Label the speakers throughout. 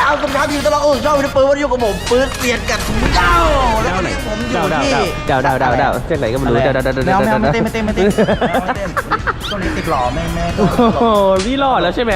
Speaker 1: ครับคุณครับอยู่ตลอดช่องวิดีโอปืนวันนี้อยู่กับผมปืนเปลี่ยนกับเจ้าแล้ววันนี้ผมอยู่ที่
Speaker 2: ดาวเส้นไหนก็ไม่รู้
Speaker 1: แมวไม่เต้นตัวนี้ติดหล่อไม่
Speaker 2: โอ้โหนี่รอดแล้วใช่ไหม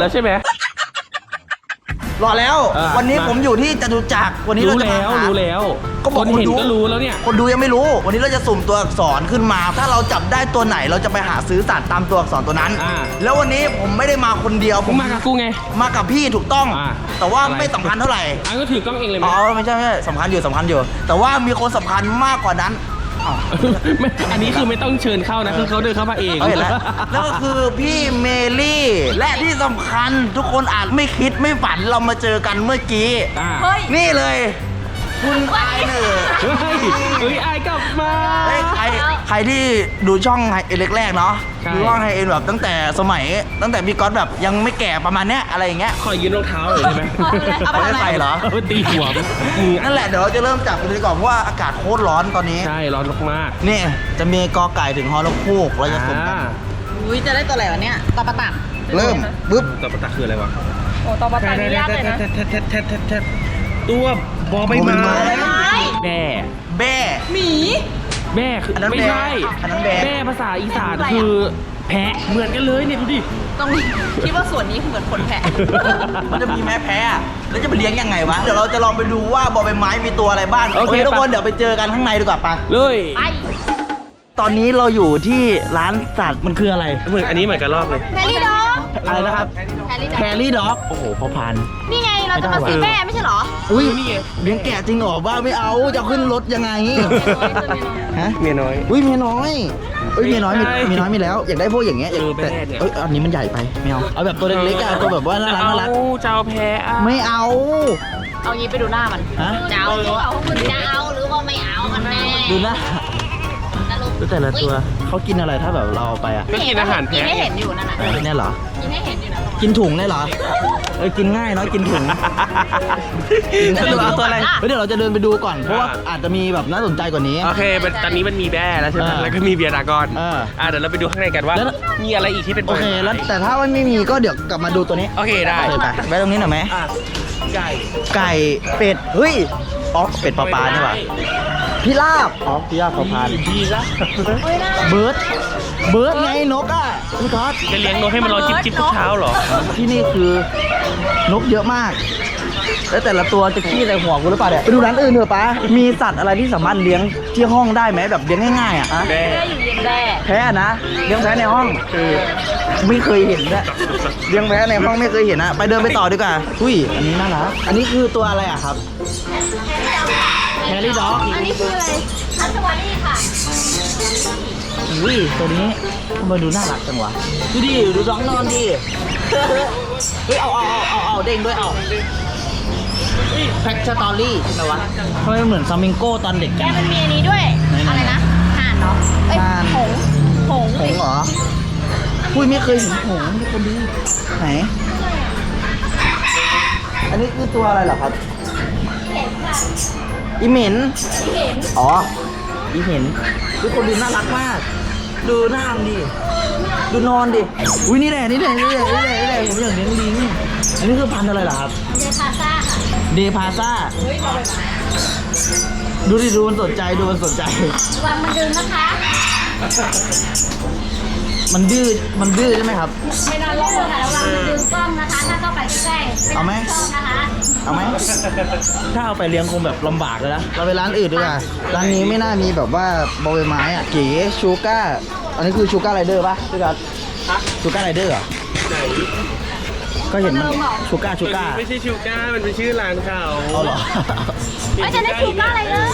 Speaker 1: รอแล้ววันนี้ผมอยู่ที่จตุจักรวันนี้เราจะมา
Speaker 2: รู้แล้วคนเห็นก็รู้แล้วเนี่ย
Speaker 1: คนดูยังไม่รู้วันนี้เราจะสุ่มตัวอักษรขึ้นมาถ้าเราจับได้ตัวไหนเราจะไปหาซื้อสัตว์ตามตัวอักษรตัวนั้นแล้ววันนี้ผมไม่ได้มาคนเดียว
Speaker 2: ผมมากับกูไง
Speaker 1: มากับพี่ถูกต้องแต่ว่าไม่สำคัญเท่าไหร่
Speaker 2: ก็ถือกล้องเองเลย
Speaker 1: อ๋อไม่ใช่สำคัญอยู่แต่ว่ามีคนสำคัญมากกว่านั้น
Speaker 2: อันนี้คือไม่ต้องเชิญเข้านะคือเขาเดินเข้ามาเอง
Speaker 1: แล้วก็คือพี่เมลี่และที่สำคัญทุกคนอาจไม่คิดไม่ฝันเรามาเจอกันเมื่อกี้นี่เลยคุณไอเนอร์
Speaker 2: ไอกลับมา
Speaker 1: ใครที่ดูช่องไฮเอ็นแรกๆเนาะดูช่องไฮเอ็นแบบตั้งแต่พี่ก๊อตแบบยังไม่แก่ประมาณเนี้ยอะไรอย่างเงี้ย
Speaker 2: ขอยืนรองเท้าเลยได้ไหม
Speaker 1: ไม่ได้ใส่เหรอ
Speaker 2: ตีหัว
Speaker 1: นั่นแหละเดี๋ยวเราจะเริ่มจับกันเลยก่อนเพราะว่าอากาศโคตรร้อนตอนนี้
Speaker 2: ใช่ร้อนมาก
Speaker 1: นี่จะมีกอไก่ถึงฮอลคูกเราจะสุ่มกัน
Speaker 3: อุ้ยจะได้ตัวอะไรวะเนี่ยตอปะตัก
Speaker 1: เริ่มปึ๊บ
Speaker 2: ตอปะตักคืออะไรวะ
Speaker 3: โอ้ตอปะตักนี่ยากเลยนะ
Speaker 2: ตัวบอใบไม้แบ่
Speaker 3: หมี
Speaker 2: แบ่คือไม่ใช่แบ่ภาษาอีสานคือแพะเหมือนกันเลยเนี่ยดูดิ
Speaker 3: ต้องคิดว่าส่วนนี้เหมือนคนแพะ
Speaker 1: มันจะมีแม่แพะแล้วจะไปเลี้ยงยังไงวะเดี๋ยวเราจะลองไปดูว่าบอใบไม้มีตัวอะไรบ้างโอเคทุกคนเดี๋ยวไปเจอกันข้างในดีกว่าปะ
Speaker 2: เลย
Speaker 1: ตอนนี้เราอยู่ที่ร้านสัตว์มันคืออะไร
Speaker 2: อันนี้เหมือนกันรอบเลย
Speaker 3: แพรี่ด็อก
Speaker 1: อะไรนะครับแพรี่ด็อกโอ้โหพอพัน
Speaker 3: นี่ไงเราจะมาซื้อแม่ไม่ใช่หรอ
Speaker 1: อุ้ยเลี้ยงแกะจริงเหรอว่าไม่เอาจะขึ้นรถยังไงฮะ
Speaker 2: เมียน้อย
Speaker 1: อุ้ยเมียน้อยมีน้อยมีแล้วอยากได้พวกอย่างเงี้ยแต่อันนี้มันใหญ่ไปไม่เอาแบบตัวเล็กๆอะตัวแบบว่าน่ารัก
Speaker 2: เจ้าแพะ
Speaker 1: ไม่เอา
Speaker 3: งี้ไปดูหน้ามันเจ้าหรือว่าไม่เอากันแน่
Speaker 1: ดูหน้าดูแต่ละตัวเขากินอะไรถ้าแบบเราเอาไปอ่ะ
Speaker 2: ก็กินอาหารแพะ
Speaker 3: กินให้เห็นอยู่นั่นน่ะ
Speaker 1: เนี่ยเหรอ
Speaker 3: กินให้เห็นอยู่นะ
Speaker 1: กินถุงได้เหรอกินง่ายเนาะกินถุงตัวอะไรเดี๋ยวเราจะเดินไปดูก่อนเพราะว่าอาจจะมีแบบน่าสนใจกว่านี้
Speaker 2: โอเคตอนนี้มันมีแบ่แล้วใช่ไหมแล้วก็มีเบียร์ดากอนเดี๋ยวเราไปดูข้างในกันว่ามีอะไรอีกที่เป็น
Speaker 1: โอเคแล้วแต่ถ้ามันไม่มีก็เดี๋ยวกลับมาดูตัวนี้
Speaker 2: โอเคได้
Speaker 1: ไปตรงนี้หน่อยไหมไก่เป็ดเฮ้ยเป็ดปลาเนี่ยว่ะพิราบพิราบพอพานเบิร์ดไงนกอ่ะพี่ก๊อต
Speaker 2: จะเลี้ยงนกให้มันรอจิ๊บทุกเช้าเหรอ
Speaker 1: ที่นี่คือนกเยอะมากแล้วแต่ละตัวจะขี้ใส่หัวกูหรือเปล่าเนี่ยไปดูร้านอื่นเถอะป้ามีสัตว์อะไรที่สามารถเลี้ยงที่ห้องได้ไหมแบบเลี้ยงง่ายๆอ่ะ
Speaker 3: แพ้อยู่เย็น
Speaker 1: แพ้นะเลี้ยงแพ้ในห้องไม่เคยเห็นนะเลี้ยงแพ้ในห้องไม่เคยเห็นนะไปเดินไปต่อดีกว่าอุ้ยอันนี้น่ารักอันนี้คือตัวอะไรอ่ะครับแฮร์รี่ด็อก
Speaker 3: อันนี้คืออะไรอัศวารีค่ะ
Speaker 1: อุ้ยตัวนี้ทำไมดูน่ารักจังวะดูน้องนอนดิเฮ้ยเอาเด้งด้วยแพ็กสตอรี่ใช่ไหมวะทำไมเหมือนซามิงโก้ตอนเด็ก
Speaker 3: มันมีอันนี้ด้วยอะไรนะห่านเนาะหง
Speaker 1: เหรออุ้ยไม่เคยเห็นหงนี่คนดีไหนอันนี้คือตัวอะไรเหรอครับอีเหม็นอีเหม็นทุกคนดูน่ารักมากดูหน้าดิดูนอนดิอุ้ยนี่แหละผมอยากเลี้ยงลิงอันนี้คือพันธุ์อะไรเหรอครับเดพาซ่าดูดิดูมันสนใจ
Speaker 3: วางมันดื้อนะคะ
Speaker 1: มันดื้อใช่ไหมครับ
Speaker 3: ไม่นอนลงค่ะระวังมันดึงกล้องนะคะถ้าเข้าไปใกล้ๆ
Speaker 1: เอาไหม
Speaker 3: นะคะ
Speaker 1: ถ้าเอาไปเลี้ยงคงแบบลำบากเลยนะเราไปร้านอื่นดีกว่าร้านนี้ไม่น่ามีแบบว่าบอใบไม้อ่ะเก๋ชูก้าอันนี้คือชูก้าไรเดอร์ป่ะพี่กัสชูก้าไรเดอร์เหรอก็เห็นมันชูก้า
Speaker 2: ไม่ใช่ชูก้ามันเป็นชื่อร้านเขา
Speaker 1: เหรอ
Speaker 3: ไม่ใช่ได้ชูก้าไรเดอร์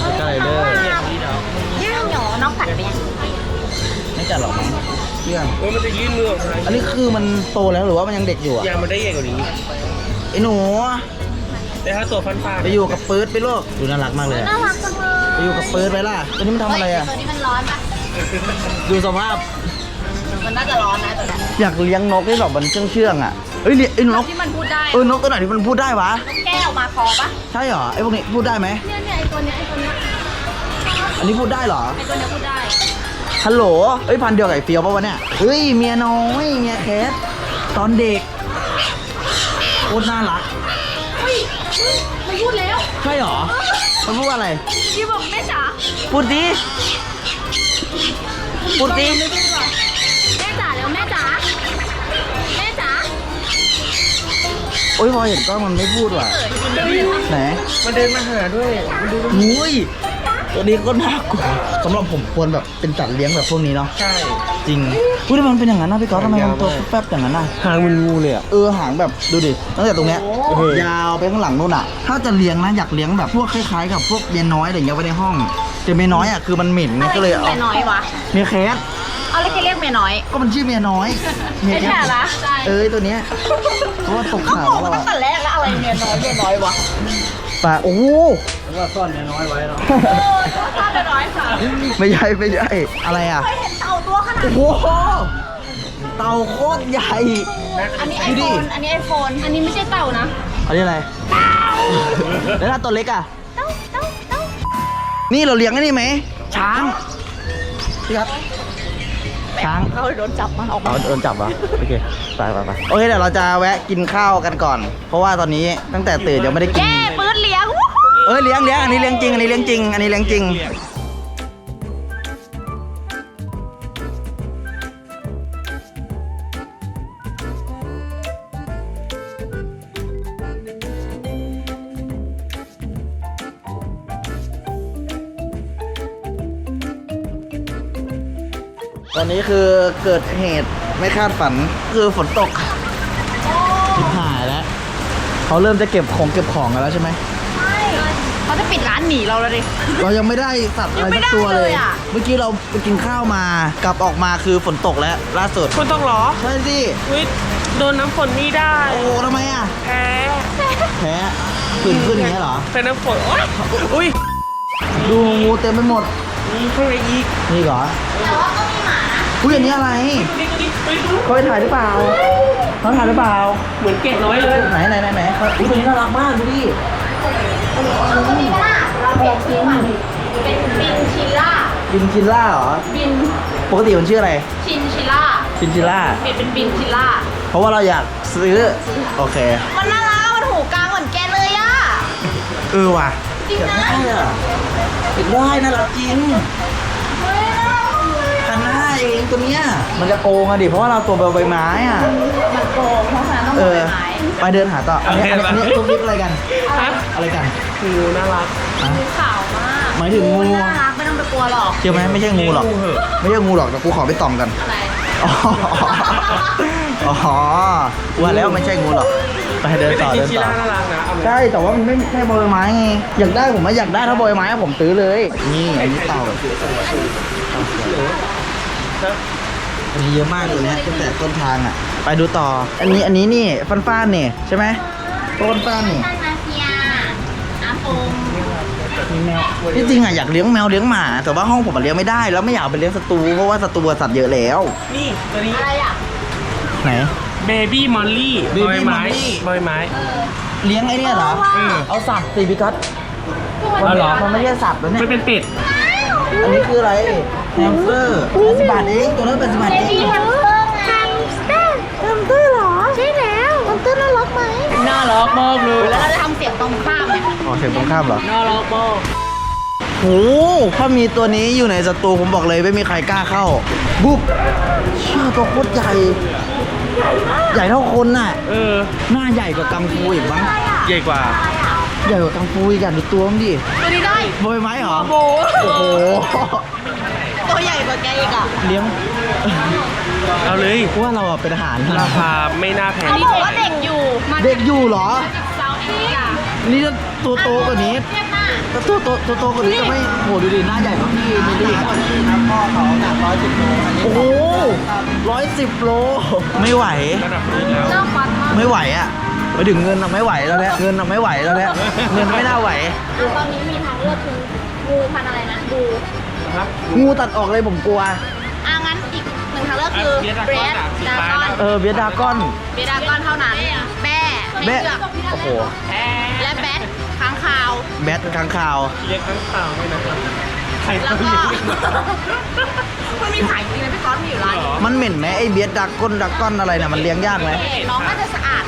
Speaker 3: ย่างหยอน้องกัดไปยัง
Speaker 1: ไม่กัดหรอกมั้งเชื่อ
Speaker 2: มันจะยื่นมือออกมา
Speaker 1: อันนี้คือมันโตแล้วหรือว่ามันยังเด็กอยู่อ่ะ
Speaker 2: ยังมันได้ใหญ่กว่านี้
Speaker 1: ไอ้หนู
Speaker 2: แต่ถ้าตัวฟัน
Speaker 1: ไปอยู่กับปื๊ดไปลูกดูน่ารักมากเลย
Speaker 3: น่ารักจังเลย
Speaker 1: ไปอยู่กับปื๊ดไปล่ะตัวนี้มันทำอะไรอ่ะ
Speaker 3: ตัวนี้มันร้อนปะ
Speaker 1: ดูสภาพ
Speaker 3: มันน่าจะร้อนนะตัวนี้
Speaker 1: อยากเลี้ยงนกที่แบบมันเชื่องอ่ะเฮ้ยไอ้นก
Speaker 3: ที่มันพูดได้
Speaker 1: นกตัวไหนที่มันพูดได้วะ
Speaker 3: นกแก้วมาคอปะ
Speaker 1: ใช่เหรอไอ้พวกนี้พูดได้ไหม
Speaker 3: เนี่ยไอ้ตัวนี้
Speaker 1: อันนี้พูดได้เหรอ
Speaker 3: ไอ้ตัวนี้พูดได้
Speaker 1: ฮัลโหลพันเดียวกับไอ้เฟียวป่ะวะเนี่ยเฮ้ยเมียน้อยเมียแคทตอนเด็กโคตรน่ารัก
Speaker 3: มันพูดแล้ว
Speaker 1: ใช่หรอมันพูดว่าอะไร
Speaker 3: พี่บอกแม่จ๋า
Speaker 1: พูดดิพูดดิ
Speaker 3: แม่จ๋าแล้วแม่จ๋าแม่จ๋า
Speaker 1: โอ้ยพอเห็นกล้องมันไม่พูดว่ะไหน
Speaker 2: มันเดินมาหาด้วยมันดู
Speaker 1: อุ้ยตัวนี้ก็น่ากลัวสำหรับผมควรแบบเป็นสัตว์เลี้ยงแบบพวกนี้เนาะ
Speaker 2: ใช่
Speaker 1: จริงอุ้ยทำไมมันเป็นอย่างนั้นนะพี่ก๊อฟทำไมมันตัวแป๊บๆอย่างนั้นน่ะ
Speaker 2: หางมันงูเลยอ่ะ
Speaker 1: หางแบบดูดิตั้งแต่ตรงเนี้ยยาวไปข้างหลังนู่นอ่ะ ถ้าจะเลี้ยงนะอยากเลี้ยงแบบพวกคล้ายๆกับพวกเมียน้อยอะไรอย่างเงี้ยไว้ในห้องแต่เมียน้อยอ่ะคือมันเหม็นไงก็เลยเอา
Speaker 3: เมียน้อยวะ
Speaker 1: เมียแคท
Speaker 3: เอาแล้วแกเรียกเมียน้อย
Speaker 1: ก็มันชื่อเมียน้อยเมีย
Speaker 3: ไม่
Speaker 1: แค
Speaker 3: ใช่
Speaker 1: ท
Speaker 3: ละใช่
Speaker 1: ตัวเนี้ยเพราะว่าตก
Speaker 3: เขา
Speaker 1: ข่าว
Speaker 3: บอกมาตั้งแต่แรกแล้วอะไรเมียน้อยวะ
Speaker 1: ปลาโอ้โห
Speaker 2: ว่าซ่อนเมียน้อยไว้เนาะ
Speaker 3: ถ้าเมียน้อยค่ะ
Speaker 1: ไม่ใช่อะไรอ่ะ
Speaker 3: เคยเห็นเต่าตัวขนาด
Speaker 1: โอ้โหเต่าโคตรใหญ่
Speaker 3: อันนี้ไอ
Speaker 1: ดู
Speaker 3: โฟ
Speaker 1: ดิ
Speaker 3: นอันนี้ไอโฟนอันนี้ไม่ใช่เต่านะ
Speaker 1: อันนี้อะไรแล้วถ้าตัวเล็กอ่ะ
Speaker 3: เต่า
Speaker 1: นี่เราเลี้ยงไอ้นี่ไหมช้างพี่ครับช้าง
Speaker 3: เขาโดนจับมันออกมา
Speaker 1: โดนจับวะโอเคไปโอเคเดี๋ยวเราจะแวะกินข้าวกันก่อน เพราะว่าตอนนี้ตั้งแต่ตื่นยังไม่ได้กิน
Speaker 3: แย่ปืนเลี้ยง
Speaker 1: เลี้ยงอันนี้เลี้ยงจริงอันนี้เลี้ยงจริงอันนี้เลี้ยงจริงตอนนี้คือเกิดเหตุไม่คาดฝันคือฝนตกชิบหายแล้วเขาเริ่มจะเก็บของกันแล้วใช่ไหม
Speaker 3: ใช่เขาจะปิดร้านหนีเราแล้วดิ
Speaker 1: เรายังไม่ได้สัตว์อะไร
Speaker 3: ยังไม่
Speaker 1: สัก
Speaker 3: ได้
Speaker 1: ตัวเลย
Speaker 3: เลยอะ
Speaker 1: เมื่อกี้เราไปกินข้าวมากลับออกมาคือฝนตกแล้วล่าสุด
Speaker 2: คุณต้องเหรอ
Speaker 1: ใช่สิ
Speaker 2: อุ้ยโดนน้ำฝนนี่ได้
Speaker 1: โอ้ทำไมอ่ะ
Speaker 2: แพ้
Speaker 1: แพ้ผื่นขึ้นอย่างเงี้ยเหรอ
Speaker 2: เป็นน้ำฝนโอ๊ยอุ้ย
Speaker 1: ดูงูเต็มไปหมด
Speaker 2: มีข้างในอีก
Speaker 1: นี่เหรอ
Speaker 3: แต่ว่าก็มีหมานะ
Speaker 1: อุ้ยอันนี้อะไร
Speaker 2: นี่อุ้ยดู
Speaker 1: เขาไปถ่ายหรือเปล่าเขาถ่ายหรือเปล่า
Speaker 2: เหมือนเก่งน้อยเลย
Speaker 1: ไหนอุ้ยตัวนี้น่ารักมากดูดิ
Speaker 3: เราเปลี่ยนชื่อมันเป็นบินชิล่า
Speaker 1: บินชินล่าเหรอ
Speaker 3: บิน
Speaker 1: ปกติมันชื่ออะไร
Speaker 3: ชินชิล่า
Speaker 1: ชินชิล่า
Speaker 3: เปลี่ยนเป็นบินชิล่า
Speaker 1: เพราะว่าเราอยากซื้อโอเค
Speaker 3: มันน่ารักมันหูกลางเหมือนแกเลยอ่ะ
Speaker 1: ว่ะ
Speaker 3: จริงนะ
Speaker 1: ติดได้น่ารักจริง
Speaker 3: เฮ้ยน่ารักเลย
Speaker 1: พันห้าเองตัวเนี้ยมันจะโกงอะดิเพราะว่าเราตัวใบไม้อ่ะ
Speaker 3: มันโกงเพราะฉะนั้นต้อง
Speaker 1: เอ
Speaker 3: เอา
Speaker 1: อ
Speaker 3: ไปไม้
Speaker 1: ไปเดินหาต่ออันนี้ทุกนิดอะไรกัน
Speaker 2: ฮะ
Speaker 1: อะไรกัน
Speaker 2: งูน่ารัก
Speaker 1: ฮะ
Speaker 3: งูขาวมาก
Speaker 1: หมายถึงงู
Speaker 3: น่ารักไม่ต้องไปกลัวหรอก
Speaker 1: เชื่อไหมไม่ใช่งูหรอก
Speaker 2: งูเหอะ
Speaker 1: ไม่ใช่งูหรอกแต่กูขอไปต่อมกัน
Speaker 3: อะไร
Speaker 1: อ๋อว่าแล้วไม่ใช่งูหรอกไปเดินต่อ
Speaker 2: แต่
Speaker 1: เดิน
Speaker 2: ชิ
Speaker 1: ต่อ
Speaker 2: ล่าน่ารักนะเอาไหม
Speaker 1: ใช่แต่ว่ามันไม่ใช่ใบไม้ไงอยากได้ผมว่าอยากได้ถ้าใบไม้อะผมซื้อเลยนี่อันนี้เต่าอันนี้เยอะมากเลยนะตั้งแต่ต้นทางอ่ะไปดูต่ออันนี้นี่ฟ้านๆนี่ใช่ไหมต้นฟ้านนี่
Speaker 3: ท่านมาเฟียอาฟง
Speaker 1: มีแมวที่จริงอ่ะอยากเลี้ยงแมวเลี้ยงหมา แต่ว่าห้องผมมันเลี้ยงไม่ได้แล้วไม่อยากเอาไปเลี้ยงศัตรูเพราะว่าศัตรูสัตว์เยอะแล้ว
Speaker 2: นี่ตัวนี้
Speaker 3: อะไรอ่ะ
Speaker 1: ไหน
Speaker 2: เบบี้มอลลี่
Speaker 1: Baby
Speaker 2: ใบไม้
Speaker 1: Molly
Speaker 2: ใบไม้
Speaker 1: เลี้ยงไอ้เนี่ยเหรอ
Speaker 2: เออ
Speaker 1: เอาสัตว์สิพี่กัส
Speaker 2: เอาเหรอ
Speaker 1: มันไม่ใช่สัตว์แล้วเนี่ย
Speaker 2: มันเป็นเป็ด
Speaker 1: อันนี้คืออะไรแฮมสเตอร์80 บาทเองตัวนั้น80 บาท
Speaker 3: เบ
Speaker 1: เอง
Speaker 3: บี้แฮมสเตอร์ไงแฮมสเตอร์เหรอ ใช่แล้วแฮมสเตอร์น่ารักไหม
Speaker 2: น่ารักมากเลย
Speaker 3: แล้วเราจะทำเสียงตรงข้ามเนี่ย
Speaker 1: อ๋อเสียงตรงข้ามเหรอ
Speaker 2: น่ารักมาก
Speaker 1: โหถ้ามีตัวนี้อยู่ในศัตรูผมบอกเลยไม่มีใครกล้าเข้าบุ๊บเชื่อตัวโคตรใหญ่ใหญ่เท่าคนน่ะ
Speaker 2: เออ
Speaker 1: หน้าใหญ่กว่ากังฟูอีกมั้ง
Speaker 2: ใหญ่กว่า
Speaker 1: ใหญ่กว่ากังฟูอีกอ่ะดูตัวมันดิ
Speaker 3: ตัวนี้ได้
Speaker 1: โบยไม้เหรอ
Speaker 3: โบ
Speaker 1: โอ้โห
Speaker 3: ตัวใหญ่กว่าแกอีกอ่ะ
Speaker 1: เลี้ยง
Speaker 2: เอาเลย
Speaker 1: ว่าเราอะเป็นอาหาร
Speaker 2: ราคาไม่น่าแพง
Speaker 3: เขาบอกว่าเด็กอยู่มา
Speaker 1: เด็กอยู่เหรอ
Speaker 3: จากเซาท์แอฟริกา
Speaker 1: นี่ถ้าตัวโตกว่านี้
Speaker 3: เทียบหน้า
Speaker 1: ถ้าตัวโตกว่านี้จะไม่โหดูดิหน้าใหญ่กว่าพี่มิลลี่ครับพ่อเขาหนัก110 โลโอ้โห110 โลไม่ไหว
Speaker 2: ระดับพื้นแล้ว
Speaker 3: เริ่มฟันมาก
Speaker 1: ไม่ไหวอ่ะไปถึงเงินอะไม่ไหวแล้วเนี่ยเงินอะไม่ไหวแล้วเนี่ยเงินไม่น่าไหว
Speaker 3: ตอนนี้มีทางเลือกคืองูพันธุ์อะไรนะบู
Speaker 1: งูตัดออกเลยผมกลัว
Speaker 3: งั้นอีกหนึ่งทางเลือกคือเบรดดากอน
Speaker 1: เบียดดากอน
Speaker 3: เบรดดากอนเท่านั้นแบ้ไม่
Speaker 1: แบะ
Speaker 3: เลือก
Speaker 1: โอ้โห
Speaker 3: และแบทค้างคาว
Speaker 1: แบทค้างคาว
Speaker 2: เลี้ยงข้างข่าวด้วยนะครับใคร
Speaker 3: แล้ว
Speaker 2: เขา
Speaker 3: ก็
Speaker 2: เลี้ยง
Speaker 3: มันมีขายจริงนะพี่ก๊อตมีอยู่ร้าน
Speaker 2: เหรอ
Speaker 1: มันเหม็นไหมไอ้เบียดดากอนอะไรน่ะมันเลี้ยงยากไหม
Speaker 3: น้องน่าจะสะอาดเลยแหละ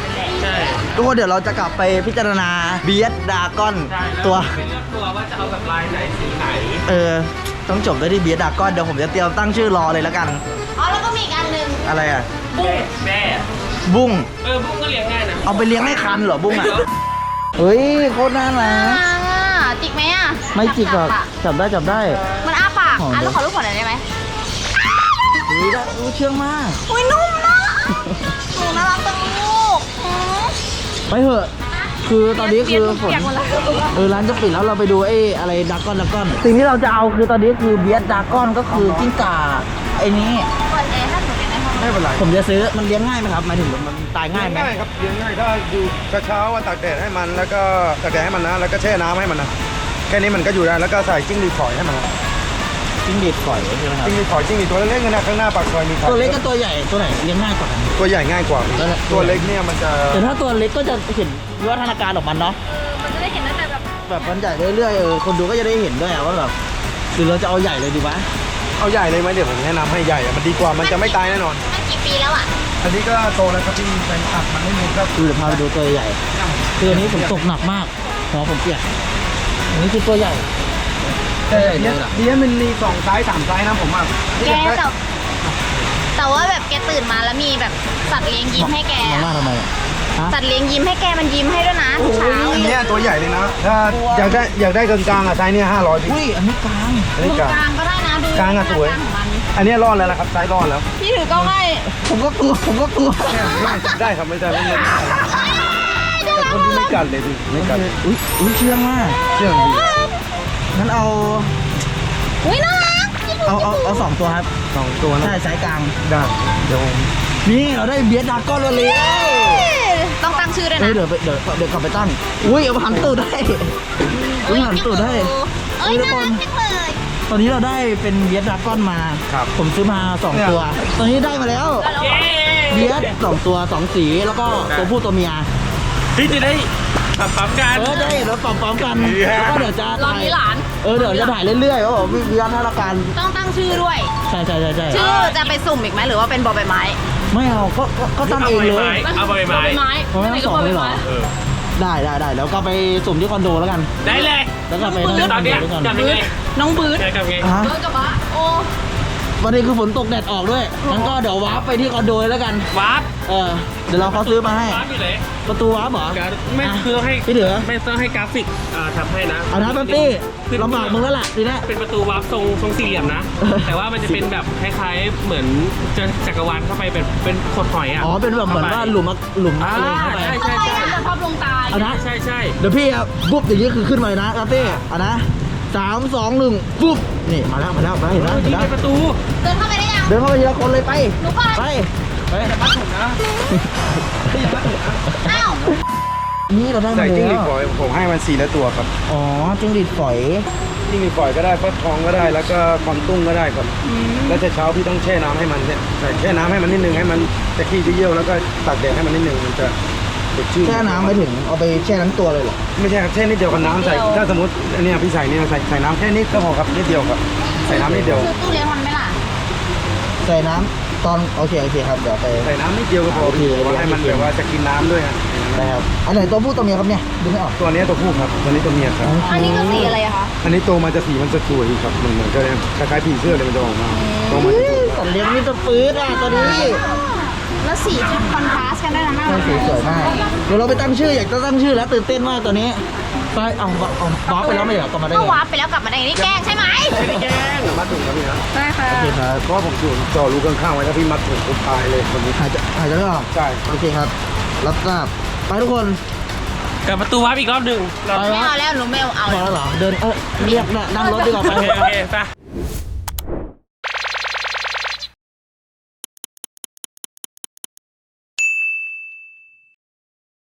Speaker 2: ใช่
Speaker 1: ทุกคนเดี๋ยวเราจะกลับไปพิจารณาเบียดดากอน
Speaker 2: ใช่
Speaker 1: ตัว
Speaker 2: ไปเลือกตัวว่าจะเอาแบบลายไหนสีไหน
Speaker 1: ต้องจบด้วยที่เบียดดากอนเดี๋ยวผมจะเตรียมตั้งชื่อรอเลยแล้วกัน
Speaker 3: อ๋อแล้วก็มีอีกอันหนึ่ง
Speaker 1: อะไรอ่ะ
Speaker 2: แม่
Speaker 1: บุ้ง
Speaker 2: บุ้งก็เลี้ยงง่ายนะ
Speaker 1: เอาไปเลี้ยงให้คันเหรอบุ้งอ่ะเฮ้ยโคตรน่ารัก
Speaker 3: จิกไหมอ่ะ
Speaker 1: ไม่จิกหรอกจับได้จับได้
Speaker 3: มันอ้าปากอ่ะแล้วขอรูปหัวหน่อยได้ไหม
Speaker 1: เฮ้ยได้เชื่องมาก
Speaker 3: อุ้ยนุ่มนะหนูน่ารักจังลูก
Speaker 1: ไปเถอะคือตอนนี้คือฝน
Speaker 3: เปียกหมดแล้ว
Speaker 1: ร้านจะปิดแล้วเราไปดูอะไรดากอนสิ่งที่เราจะเอาคือตอนนี้คือเบียดดากอนก็คือกิ้งก่าไอ้นี้
Speaker 3: เปิดแอร์ถ้าหนูเป็นในห้อง
Speaker 4: ไม่เป็นไร
Speaker 1: ผมจะซื้อมันเลี้ยงง่ายไหมครับหมายถึงมันตายง่ายไหม
Speaker 4: ง่ายครับเลี้ยงง่ายถ้าอยู่เช้าๆว่าตากแดดให้มันแล้วก็ตากแดดให้มันนะแล้วก็แช่น้ำให้มันนะแค่นี้มันก็อยู่ได้แล้วก็ใส่จิ้งหรีดฝอยให้มันนะ
Speaker 1: จิ้งหรีดฝอยใช่ไหมครับ
Speaker 4: จิ้งหรีดฝอยจิ้งหรีดตัวเล็กๆนะข้างหน้าปากซอยมีขาย
Speaker 1: ตัวเล็กกับตัวใหญ่ตัวไหนเลี้ยงง่ายกว่ากัน
Speaker 4: ตัวใหญ่ง่ายกว่า ตัวเล็กเนี่ยมันจะ
Speaker 1: แต่ถ้าตัวเล็กก็จะเห็นวิวัฒนาการของมันเนาะ
Speaker 3: มันจะได้เห็นตั้งแต่แบบ
Speaker 1: แบบมันใหญ่เรื่อยๆคนดูก็จะได้เห็นด้วยว่าแบบหรือเราจะเอาใหญ่เลยดีวะ
Speaker 4: เอาใหญ่เลยไหมเดี๋ยวผมแนะนำให้ใหญ่อะมันดีกว่ามันจะไม่ตายแน่นอน
Speaker 3: มันกี่ปีแล้วอ่ะ
Speaker 4: อันนี้ก็โตแล้วครับพี่แฟนคลับมันไม่มีครับ
Speaker 1: คือเดี๋ยวพาไปดูตัวใหญ่คืออันนี้ผมตกหนักมากหัวผมเปียกอันนี้คือตัวใหญ่
Speaker 4: แต่เนี้ยมันมี2 ไซส์ 3 ไซส์นะผมอ่ะ
Speaker 3: แกแต่ว่าแบบแกตื่นมาแล้วมีแบบสัตว์เลี้ยงยิ้มให้แก
Speaker 1: มองหน้าทำไมอะฮะ
Speaker 3: สัตว์เลี้ยงยิ้มให้แกมันยิ้มให้ด้วยนะทุกเช้า
Speaker 4: อันเนี้ยตัวใหญ่เลยนะถ้าอยากได้กลางๆอ่ะไซส์เนี่ย500พี่
Speaker 1: อุ้ยอันนี้กลาง
Speaker 4: อัน
Speaker 3: ดู
Speaker 4: นี้กลาง
Speaker 3: กลางก็ได้นะดู
Speaker 4: กลางอะสวย
Speaker 3: กลางของมัน
Speaker 4: อันเนี้ยรอดแล้วนะครับไซส์รอดแล้ว
Speaker 3: พี่ถือกล้องให้
Speaker 1: ผมก็กลัว
Speaker 4: ได้ครับไม่ได้ไม่ได้แต่คนที่ไม่กัดเลยดิไม่กัด
Speaker 1: อุ้ยเชื่องมาก
Speaker 4: เชื่องดี
Speaker 1: งั้นเอา
Speaker 3: อุ้ยน่ารัก
Speaker 1: เอา2 ตัวครับ
Speaker 4: 2 ตัวนะ
Speaker 1: ใช่ไซส์กลาง
Speaker 4: ได้เดี๋ยวผม
Speaker 1: นี่เราได้เบียดดากอนแล้วเลย
Speaker 3: ต้องตั้งชื่อด้วย
Speaker 1: เฮ้
Speaker 3: นะ
Speaker 1: ยเดี๋ยวกลับไปตั้งอุ้ยเอาหันตูดได้อุ้ยหันตูดได้
Speaker 3: เอ้ยน่ารักจังเลย
Speaker 1: ตอนนี้เราได้เป็นเบียดดากอนมา
Speaker 4: ครับ
Speaker 1: ผมซื้อมา2 ตัว ตอนนี้ได้มาแล้ว
Speaker 2: เย้
Speaker 1: เบียด2 ตัว 2 สีแล้วก็ตัวผู้ตัวเมีย
Speaker 2: ที่จะได้ปั๊มกัน
Speaker 1: ได้เราปรับกันแล้วก็เดี๋ยวจะ
Speaker 3: รอบนี้หลาน
Speaker 1: เดี๋ยวจะถ่ายเรื่อยๆว่าแบบวิวัฒนาการ
Speaker 3: ต้องตั้งชื่อด้วย
Speaker 1: ใช่
Speaker 3: ชื่อจะไปสุ่มอีกไหมหรือว่าเป็นบอใบไม้
Speaker 1: ไม่เอาก็ตั้งเองเลย
Speaker 2: เอาใบไม้
Speaker 1: เอาไว้ทั้งสองเลยเหรอ
Speaker 2: เออ
Speaker 1: ได้แล้วก็ไปสุ่มที่คอนโดแล้วกัน
Speaker 2: ได้เลย
Speaker 1: แล้วก็ไป
Speaker 2: ตอนเนี้ย
Speaker 1: ด้วยกัน
Speaker 2: จับยังไง
Speaker 3: น้องบืด
Speaker 2: จับไง
Speaker 1: ฮะ
Speaker 3: เบิร์ดกับบ้าโอ้
Speaker 1: วันนี้คือฝนตกแดดออกด้วยงั้นก็เดี๋ยววาร์ปไปที่คอนโดเลยแล้วกัน
Speaker 2: วาร์ป
Speaker 1: เดี๋ยวเราเขาซื้อมาให้
Speaker 2: วาร์ปอยู่ไหน
Speaker 1: ประตูวาร์ปเหรอ
Speaker 2: ไม่คือต้องให้
Speaker 1: พี่เดือ
Speaker 2: ไม่ต้องให้กราฟิกทำให้นะ
Speaker 1: เอานะแป๊บปี้ลำบากมึงแล้วล่ะทีนี้
Speaker 2: เป็นประตูวาร์ปทรงสี่เหลี่ยมนะ แต่ว่ามันจะเป็นแบบคล้ายๆเหมือนจะจักรวาลเข้าไปเป็นขดหอยอ่ะ
Speaker 1: อ๋อเป็นแบบเหมือนว่าหลุมอะไรเข้าไป
Speaker 2: ใช่
Speaker 3: ทำไมมันจะชอบลงตาย
Speaker 1: เอานะ
Speaker 2: ใช่
Speaker 1: เดี๋ยวพี่ครับปุ๊บอย่างนี้คือขึ้นมาเลยนะแป๊บปี้เอานะ3 2 1ปุ๊บนี่มาแล้วเห็นแล้ว
Speaker 2: นี่
Speaker 1: เห็นแล้ว
Speaker 2: เป็นประตู
Speaker 3: เดินเข้าไปได้ยัง
Speaker 1: เดินเข้าไปทีละคนเลยไป
Speaker 3: หนูก่อน
Speaker 1: ไป
Speaker 3: อ้าว
Speaker 1: นี่เราได้มา
Speaker 4: ใส่จิ้งหรี
Speaker 1: แล้
Speaker 4: ด
Speaker 1: ว
Speaker 4: ฝอยผมให้มัน4 ละตัวครับ
Speaker 1: อ๋อจิ้งหรีดฝอย
Speaker 4: จิ้งหรีดฝอยก็ได้ฟักทองก็ได้แล้วก็คอนตุ้งก็ได้ครับแล้วเช้าพี่ต้องแช่น้ำให้มันเนี่ยใส่แช่น้ำให้มันนิดนึงให้มันจะขี้จะเยี่ยวแล้วก็ตากแดดให้มันนิดนึงมันจะสดชื่น
Speaker 1: แช่น้ำไปถึงเอาไปแช่ทั้งตัวเลยเหรอ
Speaker 4: ไม่ใช่ครับแช่นิดเดียวกับน้ำใส่ถ้าสมมติอันเนี้ยพี่ใส่เนี่ยใส่น้ำแค่นิดก็พอครับนิดเดียวครับใส่น้ำนิดเดียว
Speaker 3: คือตู้เลี้ยงมันไหมล่ะ
Speaker 1: ใส่น้ำตอนโอเคครับเดี๋ยวไป
Speaker 4: ใส่น้ำนิดเดียวก็พอพี่ว่าให้มันแบบว่าจะกินน้ำด้วยฮะ
Speaker 1: นะครับอันไหนตัวผู้ตัวเมียครับเนี่ยดูไม่ออก
Speaker 4: ตัวเนี้ยตัวผู้ครับตัวนี้ตัวเมียครับ
Speaker 3: อันนี้ก็สีอะไรอะคะ
Speaker 4: อันนี้โตมาจะสีมันจะสวยครับเหมือนก็คล้ายๆผีเสื้อเลยมันจะออกมาโตมาจะสวย
Speaker 1: สัตว์เลี้ยงนี่ตัวปื๊ดอ่ะตัวนี้
Speaker 3: แล้วสีจะคอนทราสต์กันด้วยนะน่า
Speaker 1: ใช่
Speaker 3: รัก
Speaker 1: สีสวยมากเดี๋ยวเราไปตั้งชื่ออยากจะตั้งชื่อแล้วตื่นเต้นมากตัวนี้ไปเอาวาร์ปไปแล้วไม่เหรอกลับมาได้
Speaker 3: ก็
Speaker 1: ไง
Speaker 3: วาร์ปไปแล้วกลับมาได้นี่แกล้งใช่ไหม
Speaker 2: ไม่ได้แกล้ง
Speaker 4: มัดถุงครับพี่นะ
Speaker 3: ได้ค่ะ
Speaker 1: โอเคครับ
Speaker 4: เพราะว่าผมจ่อรูข้างๆไว้ถ้าพี่มัดถุงผมตายเลยคนนี้
Speaker 1: หายใจไม่ออก
Speaker 4: ใช่
Speaker 1: โอเคครับรับทราบไปทุกคน
Speaker 2: กลับประตูวาร์ปอีกรอบหนึ่งเรา
Speaker 1: ไป
Speaker 3: ไม่
Speaker 1: วะ
Speaker 3: เอาแล้วหนูไม่เอา
Speaker 1: พอแล้วเหรอเดินเรียกนั่งรถดีกว่าไป
Speaker 2: โอเคไป